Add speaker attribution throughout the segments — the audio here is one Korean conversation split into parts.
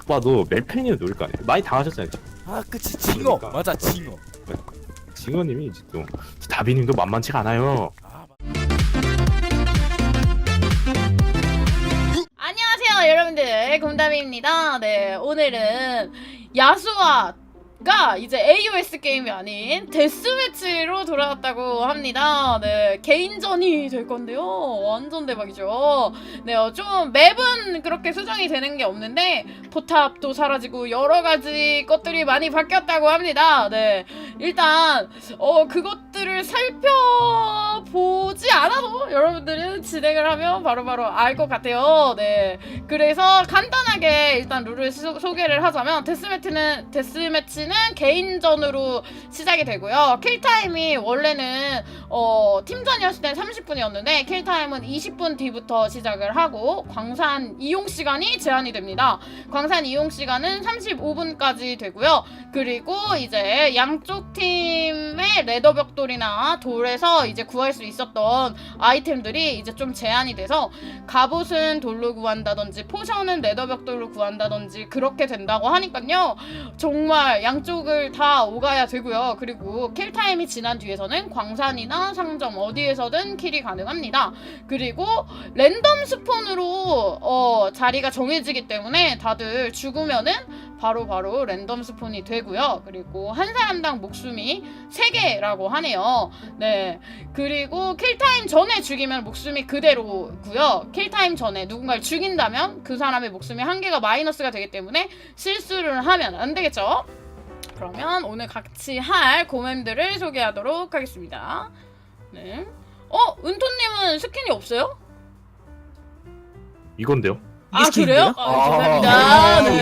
Speaker 1: 봐도 멜팬이는 누굴 거 아니에요? 많이 당하셨잖아요.
Speaker 2: 아 그치 징어
Speaker 1: 그러니까.
Speaker 2: 맞아 징어.
Speaker 1: 징어님이 이제 또 다비님도 만만치가 않아요.
Speaker 3: 안녕하세요 여러분들, 곰담이입니다. 네, 오늘은 야수아가 이제 AOS 게임이 아닌 데스매치로 돌아왔다고 합니다. 네, 개인전이 될 건데요. 완전 대박이죠. 네, 좀 맵은 그렇게 수정이 되는 게 없는데 포탑도 사라지고 여러 가지 것들이 많이 바뀌었다고 합니다. 네, 일단 그것들을 살펴보지 않아도 여러분들은 진행을 하면 바로바로 알 것 같아요. 네, 그래서 간단하게 일단 룰을 소개를 하자면 데스매치는 개인전으로 시작이 되고요. 킬타임이 원래는 팀전이었을 때 30분이었는데 킬타임은 20분 뒤부터 시작을 하고 광산 이용 시간이 제한이 됩니다. 광산 이용 시간은 35분까지 되고요. 그리고 이제 양쪽 팀의 레더 벽돌이나 돌에서 이제 구할 수 있었던 아이템들이 이제 좀 제한이 돼서 갑옷은 돌로 구한다든지 포션은 레더 벽돌로 구한다든지 그렇게 된다고 하니까요. 정말 양쪽을 다 오가야 되고요. 그리고 킬타임이 지난 뒤에서는 광산이나 상점 어디에서든 킬이 가능합니다. 그리고 랜덤 스폰으로 자리가 정해지기 때문에 다들 죽으면은 바로 랜덤 스폰이 되고요. 그리고 한 사람당 목숨이 3개라고 하네요. 네, 그리고 킬타임 전에 죽이면 목숨이 그대로고요. 킬타임 전에 누군가를 죽인다면 그 사람의 목숨이 1개가 마이너스가 되기 때문에 실수를 하면 안 되겠죠? 그러면 오늘 같이 할 고멤들을 소개하도록 하겠습니다. 네. 은토님은 스킨이 없어요?
Speaker 1: 이건데요?
Speaker 3: 아, 그래요? 감사합니다. 네.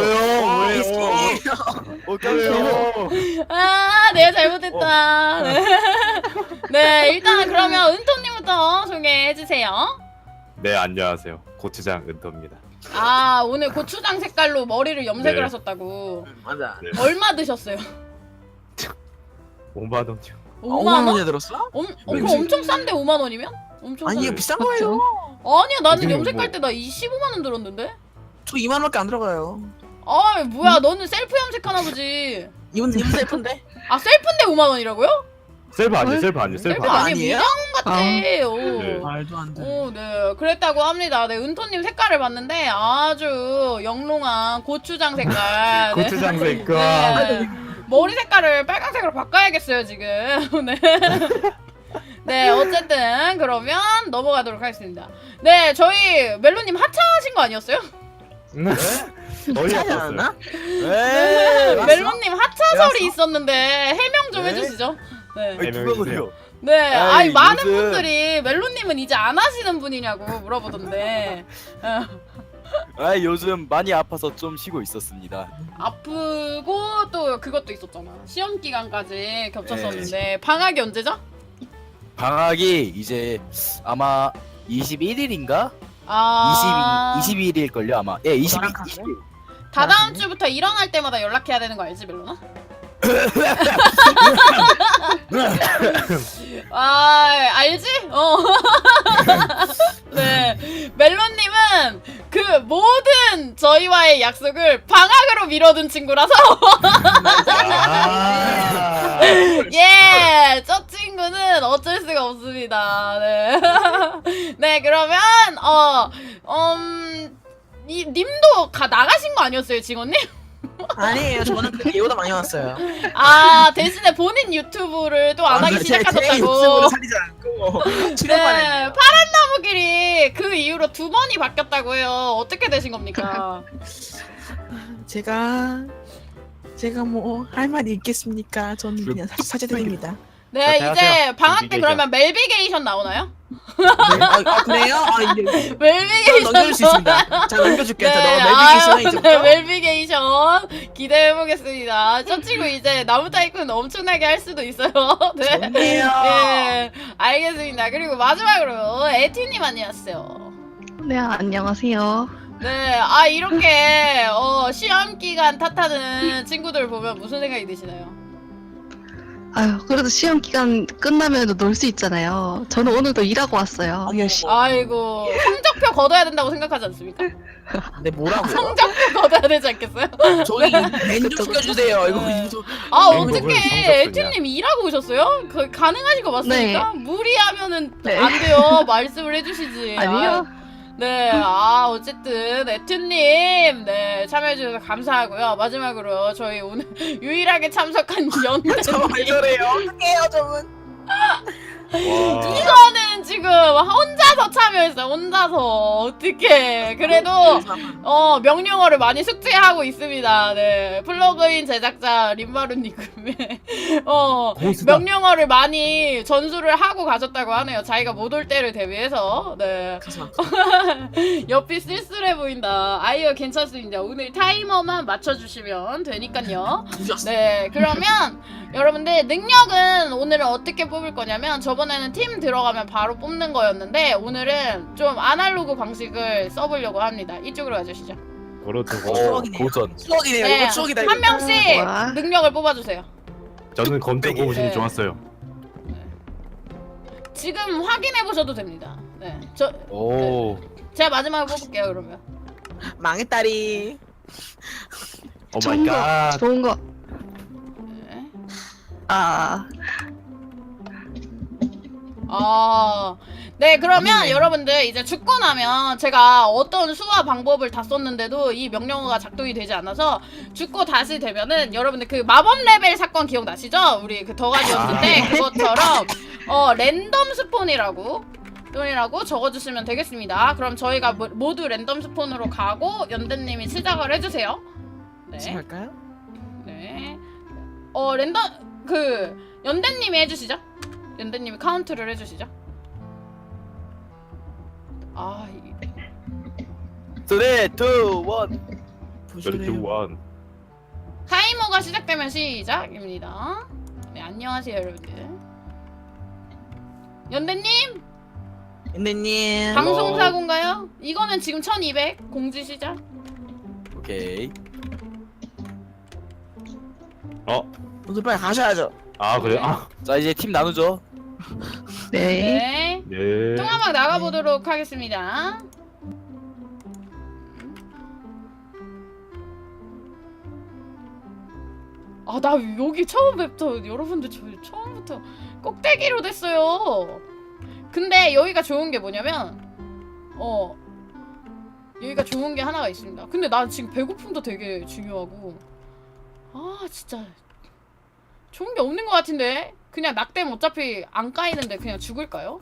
Speaker 1: 뭐예요?
Speaker 3: 아, 내가 잘못했다. 네. 네, 일단 그러면 은토님부터 소개해주세요.
Speaker 1: 네, 안녕하세요. 고추장 은토입니다.
Speaker 3: 아, 오늘 고추장 색깔로 머리를 염색을
Speaker 1: 네.
Speaker 3: 하셨다고.
Speaker 4: 맞아.
Speaker 1: 네.
Speaker 3: 얼마 드셨어요?
Speaker 1: 5만 원이요.
Speaker 3: 5만
Speaker 4: 5만
Speaker 3: 원?
Speaker 4: 원이나 들었어?
Speaker 3: 그거 엄청 싼데 5만 원이면? 엄청
Speaker 4: 아니 이거
Speaker 3: 싼데.
Speaker 4: 비싼 거예요.
Speaker 3: 아니야, 나는
Speaker 1: 요즘은
Speaker 3: 염색할
Speaker 1: 뭐-
Speaker 3: 때 나 25만 원 들었는데?
Speaker 4: 저 2만 원밖에 안 들어가요.
Speaker 3: 아, 뭐야, 너는 셀프 염색하나 보지.
Speaker 4: 이분 셀프인데?
Speaker 3: 아, 셀프인데 5만 원이라고요?
Speaker 1: 셀프 아니에요? 셀프 아니에요? 셀프
Speaker 3: 셀프
Speaker 1: 아니에요?
Speaker 3: 아니,
Speaker 4: 아니에요?
Speaker 3: 미장원 같아.
Speaker 1: 네.
Speaker 4: 말도 안 돼.
Speaker 3: 네, 그랬다고 합니다. 네, 은토님 색깔을 봤는데 아주 영롱한 고추장 색깔. 네.
Speaker 1: 고추장 색깔.
Speaker 3: 네. 머리 색깔을 빨간색으로 바꿔야겠어요, 지금. 네. 네, 어쨌든 그러면 넘어가도록 하겠습니다. 네, 저희 멜로님 하차하신 거 아니었어요?
Speaker 1: 어이
Speaker 4: 차지
Speaker 1: 없었어요.
Speaker 4: 않았나?
Speaker 3: 네,
Speaker 4: 맞어?
Speaker 3: 멜로님 하차설이
Speaker 2: 왜
Speaker 3: 있었는데 해명 좀
Speaker 2: 네?
Speaker 3: 해주시죠. 네.
Speaker 2: 누가 그래요?
Speaker 3: 네, 아니 많은
Speaker 2: 요즘-
Speaker 3: 분들이 멜로님은 이제 안 하시는 분이냐고 물어보던데.
Speaker 2: 아 요즘 많이 아파서 좀 쉬고 있었습니다.
Speaker 3: 아프고 또 그것도 있었잖아. 시험 기간까지 겹쳤었는데 방학이 언제죠?
Speaker 2: 방학이 이제 아마 21일인가?
Speaker 3: 아,
Speaker 2: 22일일걸요 아마. 예, 22.
Speaker 4: 너랑 같이?
Speaker 3: 다다음 주부터 일어날 때마다 연락해야 되는 거 알지, 멜로나? 아, 알지? 네, 멜로님은 그 모든 저희와의 약속을 방학으로 미뤄둔 친구라서
Speaker 1: 아.
Speaker 3: 예, 저 친구는 어쩔 수가 없습니다. 네, 네, 그러면 님도 나가신 거 아니었어요, 직원님?
Speaker 4: 아니에요. 저는 그 예보다 많이 왔어요.
Speaker 3: 아, 대신에 본인 유튜브를 또 안 하기
Speaker 4: 제 유튜브를
Speaker 3: 시작하셨다고.
Speaker 4: 살리지 않고
Speaker 3: 네,
Speaker 4: 출연만 했는데.
Speaker 3: 파란 나무길이 그 이후로 2번이 바뀌었다고 해요. 어떻게 되신 겁니까?
Speaker 4: 제가 뭐 할 말이 있겠습니까? 저는 그냥 사죄드립니다.
Speaker 3: 네,
Speaker 1: 자,
Speaker 3: 이제
Speaker 1: 안녕하세요.
Speaker 3: 방학 때
Speaker 1: 멜비게이션.
Speaker 3: 그러면 멜비게이션 나오나요?
Speaker 4: 네? 그래요? 이제
Speaker 3: 멜비게이션
Speaker 4: 넘겨줄 수 있습니다. 자 넘겨줄게.
Speaker 3: 네,
Speaker 4: 자, 너 멜비게이션에 이제부터.
Speaker 3: 네, 멜비게이션 기대해보겠습니다. 저 친구 이제 나무 타이쿤 엄청나게 할 수도 있어요. 네.
Speaker 4: 좋네요.
Speaker 3: 네, 알겠습니다. 그리고 마지막으로 에티님 안녕하세요.
Speaker 5: 네, 안녕하세요.
Speaker 3: 네, 이렇게 시험 기간 탓하는 친구들 보면 무슨 생각이 드시나요?
Speaker 5: 아유, 그래도 시험 기간 끝나면 놀 수 있잖아요. 저는 오늘도 일하고 왔어요.
Speaker 4: 어머,
Speaker 5: 열심히.
Speaker 3: 아이고 성적표 거둬야 된다고 생각하지 않습니까?
Speaker 4: 근데 뭐라고요?
Speaker 3: 성적표 거둬야 되지 않겠어요?
Speaker 4: 저희 맨좀 시켜주세요. 이거
Speaker 3: 네.
Speaker 4: 이거
Speaker 3: 아
Speaker 1: 이거 왜
Speaker 3: 어떻게
Speaker 1: 성적표냐?
Speaker 3: 에튜님 일하고 오셨어요? 그 가능하신 거 맞습니까? 무리하면은
Speaker 5: 네.
Speaker 3: 안 돼요. 말씀을 해주시지.
Speaker 5: 아니요.
Speaker 3: 네, 어쨌든 에튜님, 네 참여해 주셔서 감사하고요. 마지막으로 저희 오늘 유일하게 참석한 연대님.
Speaker 4: 저래요. 어떡해요, 저분?
Speaker 1: 와.
Speaker 3: 이거는 지금 혼자서 참여했어요. 혼자서 어떻게? 그래도 명령어를 많이 숙지하고 있습니다. 네, 플러그인 제작자 림마루님의
Speaker 1: 고수다.
Speaker 3: 명령어를 많이 전수를 하고 가셨다고 하네요. 자기가 못 올 때를 대비해서. 네.
Speaker 4: 가서
Speaker 3: 옆이 쓸쓸해 보인다. 아이요 괜찮습니다. 오늘 타이머만 맞춰주시면 되니까요.
Speaker 4: 부셨어.
Speaker 3: 네, 그러면 여러분들 능력은 오늘은 어떻게 뽑을 거냐면 저번에는 팀 들어가면 바로 뽑는 거였는데 오늘은 좀 아날로그 방식을 써보려고 합니다. 이쪽으로 와주시죠.
Speaker 1: 그렇죠.
Speaker 4: 추억이네요.
Speaker 2: 고전.
Speaker 4: 추억이네요.
Speaker 3: 네,
Speaker 4: 이거 추억이다.
Speaker 3: 한 명씩
Speaker 5: 와.
Speaker 3: 능력을 뽑아주세요.
Speaker 1: 저는 검정 고무신이
Speaker 3: 네.
Speaker 1: 좋았어요.
Speaker 3: 지금 확인해 보셔도 됩니다. 네,
Speaker 2: 오.
Speaker 3: 제가 마지막에 뽑을게요. 그러면
Speaker 4: 망했다리.
Speaker 1: 오 마이
Speaker 5: 좋은 거,
Speaker 1: 갓.
Speaker 5: 좋은 거.
Speaker 3: 네. 네, 그러면
Speaker 4: 아니네.
Speaker 3: 여러분들 이제 죽고 나면 제가 어떤 수화 방법을 다 썼는데도 이 명령어가 작동이 되지 않아서 죽고 다시 되면은 여러분들 그 마법 레벨 사건 기억나시죠? 우리 그 더가지였을 때 그것처럼 랜덤 스폰이라고 적어주시면 되겠습니다. 그럼 저희가 모두 랜덤 스폰으로 가고 연대님이 시작을 해주세요. 네.
Speaker 4: 시작할까요?
Speaker 3: 네. 랜덤 연대님이 해주시죠. 연대님이 카운트를 해주시죠. 이
Speaker 2: 3, 2, 1.
Speaker 4: 부시네요.
Speaker 1: 원.
Speaker 3: 타이머가 시작되면 시작입니다. 네, 안녕하세요 여러분들. 연대님
Speaker 4: 인대님.
Speaker 3: 방송사고인가요? 이거는 지금 1200 공지 시작.
Speaker 2: 오케이.
Speaker 4: 오늘 빨리 가셔야죠.
Speaker 1: 아 그래? 아
Speaker 2: 자 이제 팀 나누죠.
Speaker 5: 네.
Speaker 3: 네.
Speaker 1: 네.
Speaker 3: 통화방 나가보도록 하겠습니다. 나 여기 처음부터 여러분들 저 처음부터 꼭대기로 됐어요. 근데 여기가 좋은 게 뭐냐면 여기가 좋은 게 하나가 있습니다. 근데 나 지금 배고픔도 되게 중요하고 진짜 좋은 게 없는 것 같은데 그냥 낙댐 어차피 안 까이는데 그냥 죽을까요?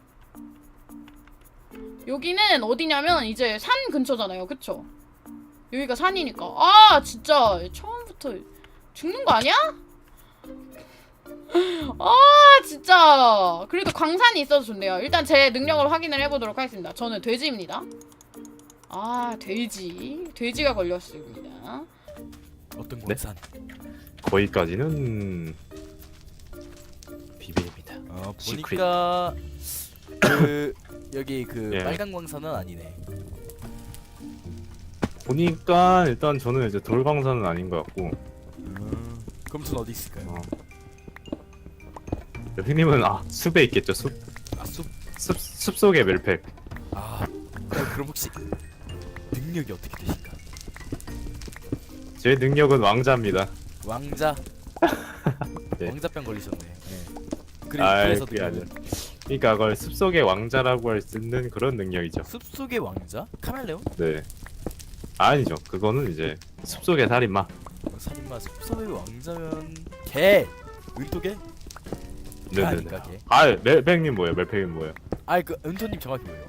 Speaker 3: 여기는 어디냐면 이제 산 근처잖아요, 그쵸? 여기가 산이니까 진짜 처음부터 죽는 거 아니야? 진짜 그래도 광산이 있어서 좋네요. 일단 제 능력을 확인을 해보도록 하겠습니다. 저는 돼지입니다. 돼지가 걸렸습니다.
Speaker 2: 어떤
Speaker 1: 네?
Speaker 2: 광산?
Speaker 1: 거기까지는 비밀입니다.
Speaker 2: 보니까 여기
Speaker 1: 예.
Speaker 2: 빨간 광산은 아니네.
Speaker 1: 보니까 일단 저는 이제 돌광산은 아닌 것 같고
Speaker 2: 그럼 전 어디 있을까요?
Speaker 1: 휘님은 숲에 있겠죠. 숲
Speaker 2: 숲.
Speaker 1: 숲속의 멜팩.
Speaker 2: 그럼 혹시 능력이 어떻게 되실까?
Speaker 1: 제 능력은 왕자입니다.
Speaker 2: 왕자.
Speaker 1: 네.
Speaker 2: 왕자병 걸리셨네. 네. 그래서
Speaker 1: 그게 아니라.
Speaker 2: 능력은
Speaker 1: 그러니까 그걸 숲속의 왕자라고 할 수 있는 그런 능력이죠.
Speaker 2: 숲속의 왕자? 카멜레온?
Speaker 1: 네. 아니죠. 그거는 이제 숲속의 살인마.
Speaker 2: 살인마 숲속의 왕자면 개! 은토개?
Speaker 1: 네네네.
Speaker 2: 아닌가 개?
Speaker 1: 멜팩님 뭐예요? 멜팩님 뭐예요?
Speaker 2: 그 은토님 정확히 뭐예요?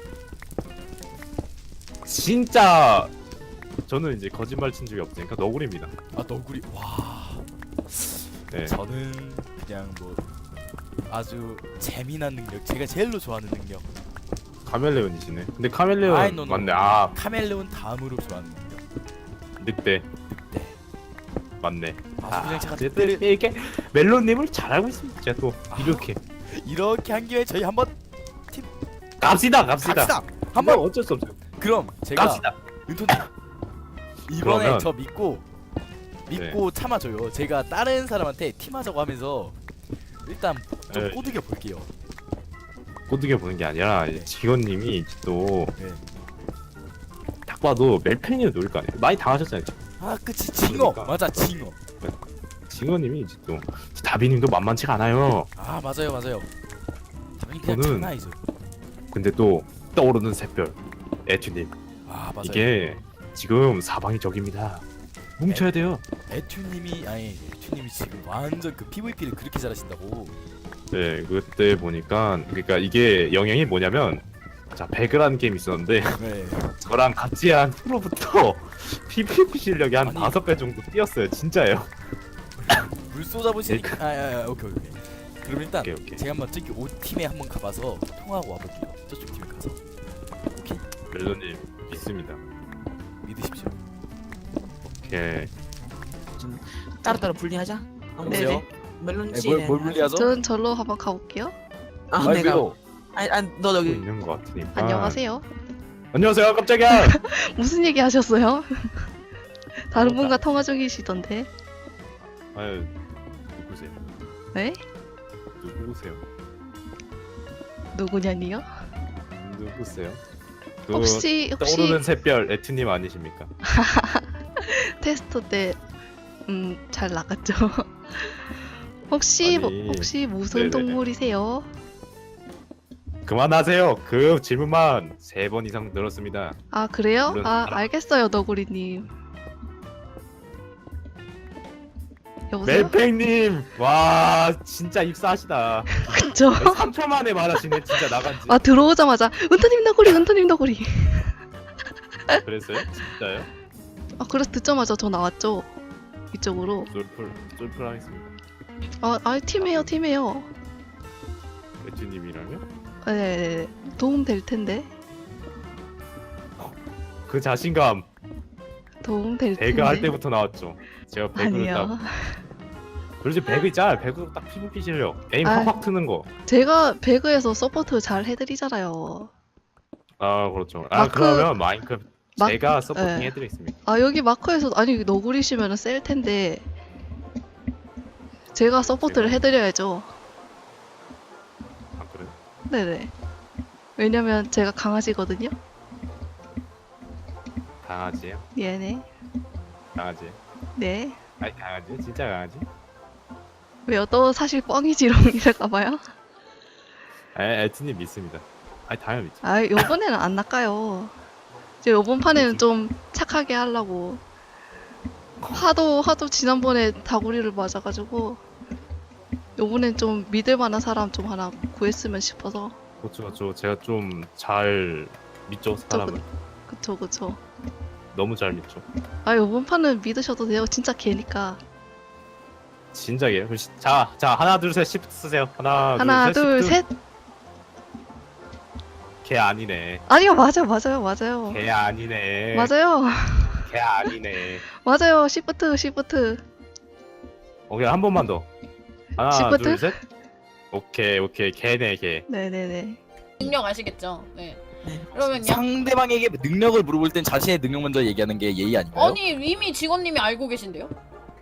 Speaker 1: 진짜 저는 이제 거짓말 친 적이 없으니까 너구리입니다.
Speaker 2: 너구리. 와.
Speaker 1: 네.
Speaker 2: 저는 그냥 아주 재미난 능력. 제가 제일로 좋아하는 능력.
Speaker 1: 카멜레온이시네. 근데 카멜레온
Speaker 2: 노.
Speaker 1: 맞네.
Speaker 2: 카멜레온 다음으로 좋아하는 능력.
Speaker 1: 늑대
Speaker 2: 늑대.
Speaker 1: 맞네.
Speaker 2: 그냥 제가
Speaker 1: 어쨌든
Speaker 2: 늑대를
Speaker 1: 이렇게 멜론님을 잘 알고 있습니다. 제가 또 이렇게
Speaker 2: 한 김에 저희 한번
Speaker 1: 갑시다.
Speaker 2: 한번
Speaker 1: 어쩔 수 없어요.
Speaker 2: 그럼 제가
Speaker 1: 갑시다.
Speaker 2: 은토님 이번에
Speaker 1: 그러면-
Speaker 2: 저 믿고 믿고 참아줘요. 제가 다른 사람한테 팀하자고 하면서 일단 좀
Speaker 1: 네.
Speaker 2: 꼬드겨 볼게요.
Speaker 1: 꼬드겨 보는 게 아니라
Speaker 2: 네.
Speaker 1: 직원님이 또
Speaker 2: 네.
Speaker 1: 딱 봐도 멜팽이를 노릴 거 아니에요. 많이 당하셨잖아요.
Speaker 2: 아 그치 징어.
Speaker 1: 그러니까.
Speaker 2: 맞아 징어.
Speaker 1: 직원님이 이제 또 다비님도 만만치가 않아요.
Speaker 2: 아 맞아요 맞아요. 당연히 그냥
Speaker 1: 저는-
Speaker 2: 장난이죠.
Speaker 1: 근데 또 떠오르는 샛별 에튜님
Speaker 2: 아 맞아요.
Speaker 1: 이게 지금 사방이 적입니다. 뭉쳐야 돼요.
Speaker 2: 에튜님이 지금 완전 그 PVP를 그렇게 잘하신다고.
Speaker 1: 네, 그때 보니까 그러니까 이게 영향이 뭐냐면 자 배그라는 게임 있었는데
Speaker 2: 네.
Speaker 1: 저랑 같이 한 후로부터 PVP 실력이 한
Speaker 2: 아니.
Speaker 1: 5배 정도 뛰었어요. 진짜예요.
Speaker 2: 물소 잡으시니까 오케이. 그럼 일단
Speaker 1: 오케이, 오케이.
Speaker 2: 제가 한번 저기 5팀에 한번 가봐서 통화하고 와볼게요. 저쪽 팀에 가서. 오케이?
Speaker 1: 멜로님 믿습니다.
Speaker 2: 믿으십시오.
Speaker 1: 오케이.
Speaker 4: 따로따로 분리하자.
Speaker 2: 네네.
Speaker 4: 멜론 씨.
Speaker 2: 뭘 분리하죠?
Speaker 5: 저는 절로 한번 가볼게요.
Speaker 4: 아,
Speaker 2: 아니,
Speaker 4: 내가.
Speaker 2: 왜요?
Speaker 4: 아니, 너
Speaker 1: 하고
Speaker 4: 여기.
Speaker 1: 있는 것 같으니까.
Speaker 5: 안녕하세요.
Speaker 1: 안녕하세요. 깜짝이야.
Speaker 5: 무슨 얘기 하셨어요? 다른
Speaker 1: 어,
Speaker 5: 분과 통화 중이시던데.
Speaker 1: 아유 누구세요?
Speaker 5: 네?
Speaker 1: 누구세요?
Speaker 5: 누구냐니요?
Speaker 1: 누구세요? 그
Speaker 5: 혹시
Speaker 1: 떠오르는 샛별 에튜님 아니십니까?
Speaker 5: 테스트 때 잘 나갔죠? 혹시
Speaker 1: 아니,
Speaker 5: 혹시 무슨
Speaker 1: 네네.
Speaker 5: 동물이세요?
Speaker 1: 그만하세요. 그 질문만 3번 이상 들었습니다.
Speaker 5: 아 그래요?
Speaker 1: 물론
Speaker 5: 아
Speaker 1: 알아.
Speaker 5: 알겠어요 너구리님. 여보세요?
Speaker 1: 멜팽님, 와 진짜 입사하시다.
Speaker 5: 그쵸?
Speaker 1: 3초 만에 말하시네. 진짜 나간지.
Speaker 5: 아 들어오자마자 은터님 너구리 은터님 너구리.
Speaker 1: 그랬어요? 진짜요?
Speaker 5: 아 그래서 듣자마자 저 나왔죠 이쪽으로.
Speaker 1: 쫄풀 하겠습니다.
Speaker 5: 아 팀이에요.
Speaker 1: 에튜님이랑요?
Speaker 5: 네 도움 될 텐데.
Speaker 1: 그 자신감
Speaker 5: 도움 될 텐데.
Speaker 1: 배그 할 때부터 나왔죠. 제가 배그를
Speaker 5: 아니요.
Speaker 1: 딱 그렇지 배그 있잖아. 배그 딱 PVP 실력. 에임
Speaker 5: 아.
Speaker 1: 확확 트는 거.
Speaker 5: 제가 배그에서 서포트 잘 해드리잖아요.
Speaker 1: 아 그렇죠. 아
Speaker 5: 마크-
Speaker 1: 그러면 마인크래프트
Speaker 5: 마-
Speaker 1: 제가 서포팅
Speaker 5: 네.
Speaker 1: 해드리겠습니다.
Speaker 5: 아 여기 마커에서 아니 너구리시면 셀 텐데 제가 서포트를
Speaker 1: 제가?
Speaker 5: 해드려야죠.
Speaker 1: 아 그래요?
Speaker 5: 네네. 왜냐면 제가 강아지거든요.
Speaker 1: 강아지예요?
Speaker 5: 얘네.
Speaker 1: 강아지.
Speaker 5: 네.
Speaker 1: 아니 강아지? 진짜 강아지?
Speaker 5: 왜요? 또 사실 뻥이지롱 이럴까봐요.
Speaker 1: 에튜님 믿습니다. 아니 당연히 믿죠.
Speaker 5: 아 요번에는 안 낚아요. 이제 요번 판에는 좀 착하게 하려고. 하도 지난번에 다구리를 맞아가지고 요번엔 좀 믿을만한 사람 좀 하나 구했으면 싶어서.
Speaker 1: 그렇죠. 제가 좀 잘 믿죠 사람을.
Speaker 5: 그쵸.
Speaker 1: 너무 잘 믿죠.
Speaker 5: 아 요번 판은 믿으셔도 돼요. 진짜 개니까.
Speaker 1: 진작이에요. 자 하나 둘 셋 시프트 쓰세요.
Speaker 5: 하나 둘 셋.
Speaker 1: 걔 아니네.
Speaker 5: 아니요 맞아요.
Speaker 1: 걔 아니네.
Speaker 5: 맞아요.
Speaker 1: 걔 아니네.
Speaker 5: 맞아요. 시프트.
Speaker 1: 오케이 한 번만 더. 하나
Speaker 5: 시프트?
Speaker 1: 둘 셋. 오케이 걔네 걔.
Speaker 5: 네네네.
Speaker 3: 능력 아시겠죠? 네.
Speaker 4: 네.
Speaker 3: 그러면요.
Speaker 2: 상대방에게 능력을 물어볼 땐 자신의 능력 먼저 얘기하는 게 예의 아닌가요?
Speaker 3: 아니 이미 직원님이 알고 계신데요?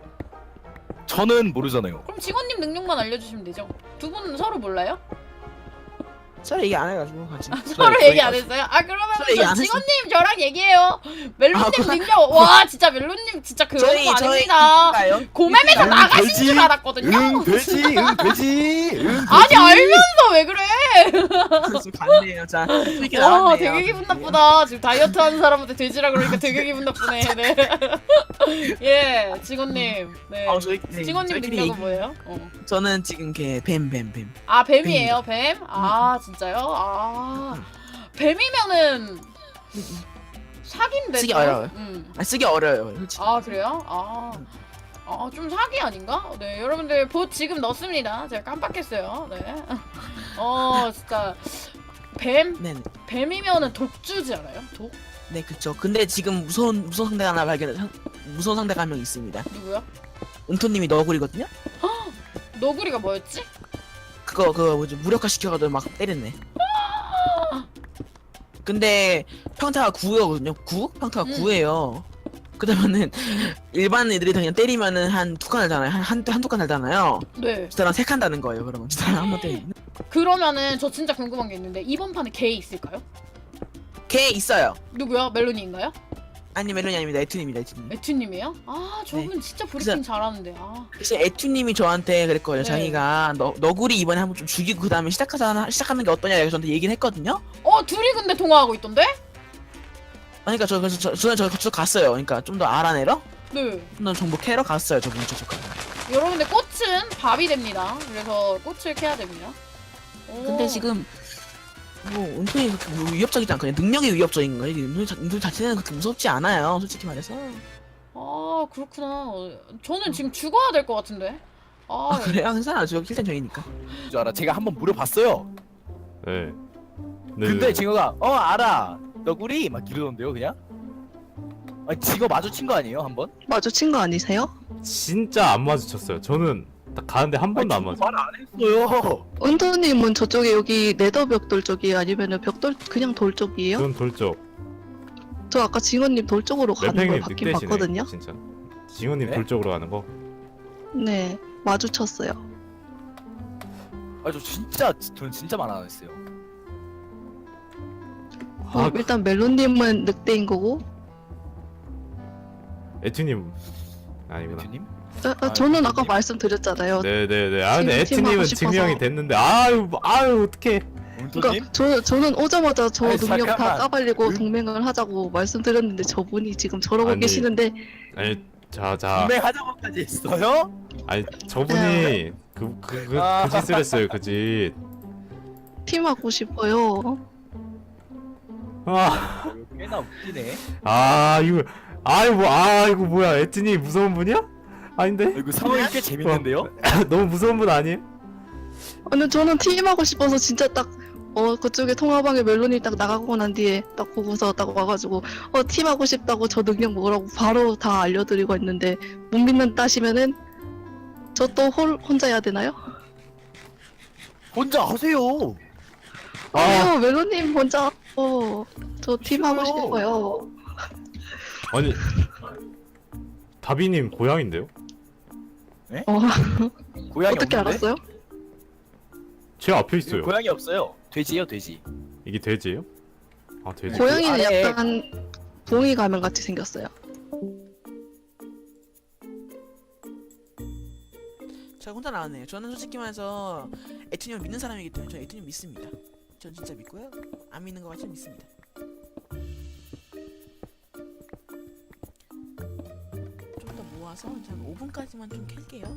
Speaker 2: 저는 모르잖아요.
Speaker 3: 그럼 직원님 능력만 알려주시면 되죠. 두 분은 서로 몰라요?
Speaker 4: 서로 얘기 안 해가지고 같이.
Speaker 3: 서로
Speaker 2: 저희
Speaker 3: 얘기 안 했어요? 아 그러면
Speaker 4: 서로 얘기 안 했어.
Speaker 3: 직원님 저랑 얘기해요. 멜론님
Speaker 4: 아, 그-
Speaker 3: 능력 와 진짜 멜론님 진짜 그런 거 아닙니다.
Speaker 4: 가요?
Speaker 3: 고매에서
Speaker 2: 응,
Speaker 3: 나가신
Speaker 2: 되지.
Speaker 3: 줄 알았거든요.
Speaker 2: 응 되지.
Speaker 3: 아니 알면서 왜 그래?
Speaker 4: 지금 갔네요. 자, 이렇게
Speaker 3: 와
Speaker 4: 나왔네요.
Speaker 3: 되게 기분 나쁘다. 지금 다이어트 하는 사람한테 돼지라 그러니까 되게 기분 나쁘네. 네. 예 직원님. 네. 직원님
Speaker 4: 저희끼리
Speaker 3: 능력은 뭐예요?
Speaker 4: 저는 지금 뱀.
Speaker 3: 아 뱀이에요 뱀? 아 진짜요? 아 뱀이면은 사기인데
Speaker 4: 쓰기
Speaker 3: 좀?
Speaker 4: 어려워요.
Speaker 3: 아
Speaker 4: 쓰기 어려워요. 솔직히.
Speaker 3: 그래요? 좀 사기 아닌가? 네 여러분들 봇 지금 넣습니다. 제가 깜빡했어요. 네. 진짜
Speaker 4: 네,
Speaker 3: 뱀이면은 독주지 않아요? 독?
Speaker 4: 네 그쵸. 근데 지금 무서운 상대가 하나 무서운 상대가 한 명 있습니다.
Speaker 3: 누구요?
Speaker 4: 은토님이 너구리거든요.
Speaker 3: 너구리가 뭐였지?
Speaker 4: 그거 뭐지 무력화 시켜가지고 막 때렸네. 근데 평타가 9거든요. 9? 평타가 9예요. 그러면은 일반 애들이 그냥 때리면은 한 두 칸 달잖아요. 한두 칸 달잖아요.
Speaker 3: 네.
Speaker 4: 저 사람 세 칸 다는 거예요. 그러면 저 사람 한번 때리면.
Speaker 3: 그러면은 저 진짜 궁금한 게 있는데 이번 판에 개 있을까요?
Speaker 4: 걔 있어요.
Speaker 3: 누구요? 멜론이인가요?
Speaker 4: 아니 멜론이 아닙니다. 에투님입니다. 에투님.
Speaker 3: 에튜님이에요? 아 저분 진짜 브리핑 잘하는데. 아.
Speaker 4: 대신 에투님이 저한테 그랬거든요.
Speaker 3: 네.
Speaker 4: 자기가 너구리 이번에 한번 좀 죽이고 그 다음에 시작하는 게 어떠냐 이렇게 저한테 얘기는 했거든요.
Speaker 3: 둘이 근데 통화하고 있던데?
Speaker 4: 그러니까 저 갔어요. 그러니까 좀 더 알아내러
Speaker 3: 네.
Speaker 4: 좀 더 정보 캐러 갔어요. 저분 저쪽.
Speaker 3: 여러분들 꽃은 밥이 됩니다. 그래서 꽃을 캐야 됩니다. 오.
Speaker 4: 근데 지금 뭐 은근히 그렇게 뭐 위협적이지 않거든요. 능력이 위협적인 거예요. 은근 자체는 그렇게 무섭지 않아요. 솔직히 말해서.
Speaker 3: 아 그렇구나. 저는 지금 죽어야 될 것 같은데.
Speaker 4: 아 그래요? 괜찮아. 저 킬텐 저희니까.
Speaker 2: 줄 알아. 제가 한번 물어봤어요.
Speaker 1: 네. 네.
Speaker 2: 근데 징어가 알아. 너구리 막 이러던데요, 그냥? 아니 징어 마주친 거 아니에요, 한번?
Speaker 5: 마주친 거 아니세요?
Speaker 1: 진짜 안 마주쳤어요. 저는 딱 가는데 한 번도 안 맞아.
Speaker 2: 말안 했어요.
Speaker 5: 은토님은 저쪽에 여기 네더 벽돌 쪽이에요? 아니면은 벽돌 그냥 돌 쪽이에요?
Speaker 1: 그건 돌쪽.
Speaker 5: 저 아까 징어님 돌 쪽으로 가는 걸
Speaker 1: 램팽님
Speaker 5: 봤긴
Speaker 1: 늑대시네.
Speaker 5: 봤거든요.
Speaker 1: 진짜. 지훈님
Speaker 2: 네?
Speaker 1: 돌쪽으로 가는 거.
Speaker 5: 네, 마주쳤어요.
Speaker 2: 저는 진짜 말 안 했어요.
Speaker 1: 아,
Speaker 5: 일단 멜론님은 늑대인 거고,
Speaker 1: 에튜님 아니구나.
Speaker 2: 대표님?
Speaker 5: 저는 아까
Speaker 2: 늑대님.
Speaker 5: 말씀드렸잖아요.
Speaker 1: 네네네. 아 근데
Speaker 5: 지금 팀하고
Speaker 1: 에튜님은
Speaker 5: 싶어서.
Speaker 1: 증명이 됐는데 아유 어떡해.
Speaker 2: 운토님?
Speaker 5: 그러니까 저는 오자마자 저
Speaker 2: 아니,
Speaker 5: 능력 다
Speaker 2: 잠깐만.
Speaker 5: 까발리고 동맹을 하자고 말씀드렸는데 저분이 지금 저러고
Speaker 1: 아니.
Speaker 5: 계시는데
Speaker 1: 아니 자
Speaker 2: 구매하자고까지 했어요?
Speaker 1: 아니 저분이 그 짓을 했어요 그 짓.
Speaker 5: 팀하고 싶어요.
Speaker 2: 꽤나 웃기네.
Speaker 1: 이거 뭐야 에튜님 무서운 분이야? 아닌데?
Speaker 2: 이거 상황이 꽤 재밌는데요?
Speaker 1: 너무 무서운 분 아니에요?
Speaker 5: 근데 저는 팀하고 싶어서 진짜 딱 그쪽에 통화방에 멜론이 딱 나가고 난 뒤에 딱 보고서 딱 와가지고 팀하고 싶다고 저 능력 뭐라고 바로 다 알려드리고 했는데 못 믿는다시면은 저 또 혼자 해야 되나요?
Speaker 2: 혼자 하세요.
Speaker 5: 아니요 멜론님 혼자 저 팀하고
Speaker 2: 싫어요.
Speaker 5: 싶어요.
Speaker 1: 아니 다비님 고향인데요?
Speaker 2: 고양이
Speaker 5: 어떻게
Speaker 2: 없는데?
Speaker 5: 알았어요?
Speaker 1: 제 앞에 있어요.
Speaker 2: 고양이 없어요. 돼지예요, 돼지.
Speaker 1: 이게 돼지예요? 아 돼지.
Speaker 5: 고양이는
Speaker 2: 아래-
Speaker 5: 약간 봉이 가면 같이 생겼어요.
Speaker 4: 제가 혼자 나왔네요. 저는 솔직히 말해서 에투님을 믿는 사람이기 때문에 저는 에투님 믿습니다. 전 진짜 믿고요. 안 믿는 거 같지만 믿습니다. 좀 더 모아서 이제 한 5분까지만 좀 캘게요.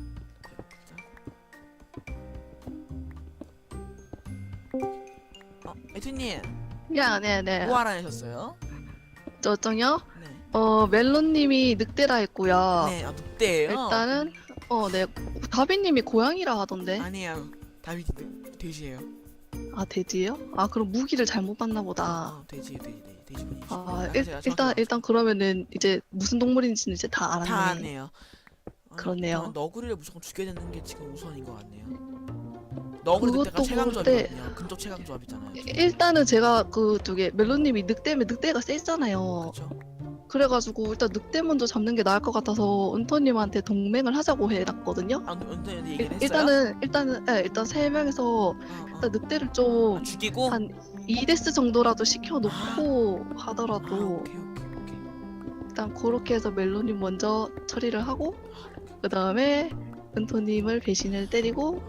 Speaker 4: 에투님
Speaker 5: 네네.
Speaker 4: 뭐 알아내셨어요?
Speaker 5: 저쪽요?
Speaker 4: 네.
Speaker 5: 멜론님이 늑대라 했고요.
Speaker 4: 네, 늑대예요.
Speaker 5: 일단은 네 다비님이 고양이라 하던데.
Speaker 4: 아니에요. 다비드 돼지예요.
Speaker 5: 아 돼지예요? 아 그럼 무기를 잘못 봤나 보다.
Speaker 4: 돼지분이.
Speaker 5: 일단 그러면은 이제 무슨 동물인지는 이제 다 알았네.
Speaker 4: 다 아네요.
Speaker 5: 그러네요.
Speaker 4: 그러면 너구리를 무조건 죽여야 되는 게 지금 우선인 것 같네요. 너구리
Speaker 5: 그것도
Speaker 4: 늑대가 최강조합이거든요. 근접 최강조합이잖아요.
Speaker 5: 일단은 제가 그쪽에 멜론님이 늑대면 늑대가 세잖아요.
Speaker 4: 그렇죠.
Speaker 5: 그래가지고 일단 늑대 먼저 잡는 게 나을 것 같아서 은토님한테 동맹을 하자고 해놨거든요.
Speaker 4: 아, 근데 얘기를 했어요?
Speaker 5: 일단 세 명에서 일단 늑대를 좀
Speaker 4: 죽이고.
Speaker 5: 한 2데스 정도라도 시켜놓고 하더라도
Speaker 4: 오케이.
Speaker 5: 일단 그렇게 해서 멜론님 먼저 처리를 하고 그 다음에 은토님을 배신을 때리고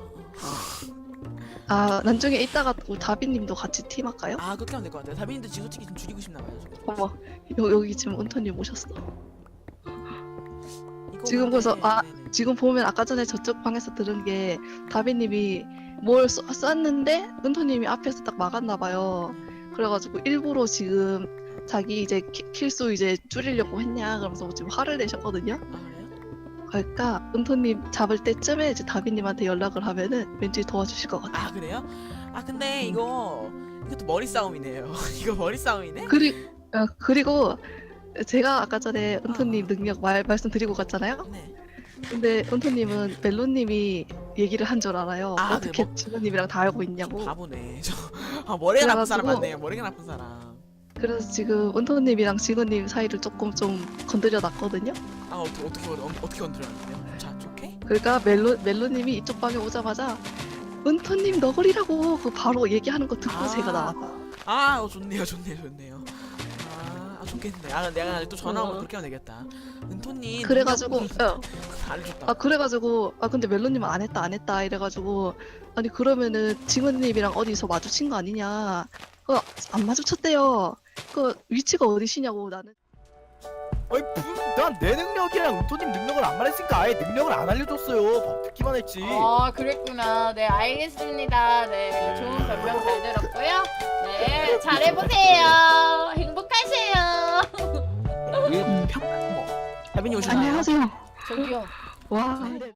Speaker 5: 나중에 이따가 또 다비님도 같이 팀할까요?
Speaker 4: 그렇게 하면 될 것 같아요. 다빈이도 지금 솔직히 좀 죽이고 싶나 봐요. 지금.
Speaker 5: 어머 여기 지금 은토님 오셨어.
Speaker 4: 이거
Speaker 5: 지금
Speaker 4: 근데-
Speaker 5: 벌써
Speaker 4: 네네.
Speaker 5: 지금 보면 아까 전에 저쪽 방에서 들은 게 다비님이 뭘 쐈는데 은토님이 앞에서 딱 막았나 봐요. 그래가지고 일부러 지금 자기 이제 킬수 이제 줄이려고 했냐 그러면서 지금 화를 내셨거든요.
Speaker 4: 그래요?
Speaker 5: 그러니까 은토님 잡을 때쯤에 이제 다비님한테 연락을 하면은 왠지 도와주실 것 같아요.
Speaker 4: 그래요? 근데 이것도 머리 싸움이네요. 이거 머리 싸움이네?
Speaker 5: 그리고 제가 아까 전에 은토님 능력 말씀드리고 갔잖아요.
Speaker 4: 네.
Speaker 5: 근데 은토님은 멜론님이 얘기를 한 줄 알아요.
Speaker 4: 네,
Speaker 5: 어떻게 진호님이랑 다 알고 있냐고.
Speaker 4: 바보네. 머리가 나쁜 사람
Speaker 5: 그래가지고-
Speaker 4: 맞네요. 머리가 나쁜 사람.
Speaker 5: 그래서 지금 은토님이랑 직원님 사이를 조금 좀 건드려 놨거든요.
Speaker 4: 아 어떻게 건드렸는데요? 자 좋게?
Speaker 5: 그러니까 멜로님이 이쪽 방에 오자마자 은토님 너구리라고 그 바로 얘기하는 거 듣고
Speaker 4: 아.
Speaker 5: 제가 나왔다.
Speaker 4: 좋네요. 좋겠네. 내가 아직 또 전화 오면 그렇게 하면 되겠다. 은토님.
Speaker 5: 그래가지고
Speaker 4: 알려줬다.
Speaker 5: 그래가지고 근데 멜로님은 안 했다 이래가지고 아니 그러면은 직원님이랑 어디서 마주친 거 아니냐? 안 마주쳤대요. 그 위치가 어디시냐고 나는.
Speaker 2: 아니 난 내 능력이랑 은토님 능력을 안 말했으니까 아예 능력을 안 알려줬어요. 밥 듣기만 했지.
Speaker 3: 그랬구나. 네, 알겠습니다. 네, 좋은 변명 잘 들었고요. 네, 잘해보세요. 행복하세요.
Speaker 4: 하빈이 오셨나요?
Speaker 5: 안녕하세요.
Speaker 3: 저기요.
Speaker 5: 와.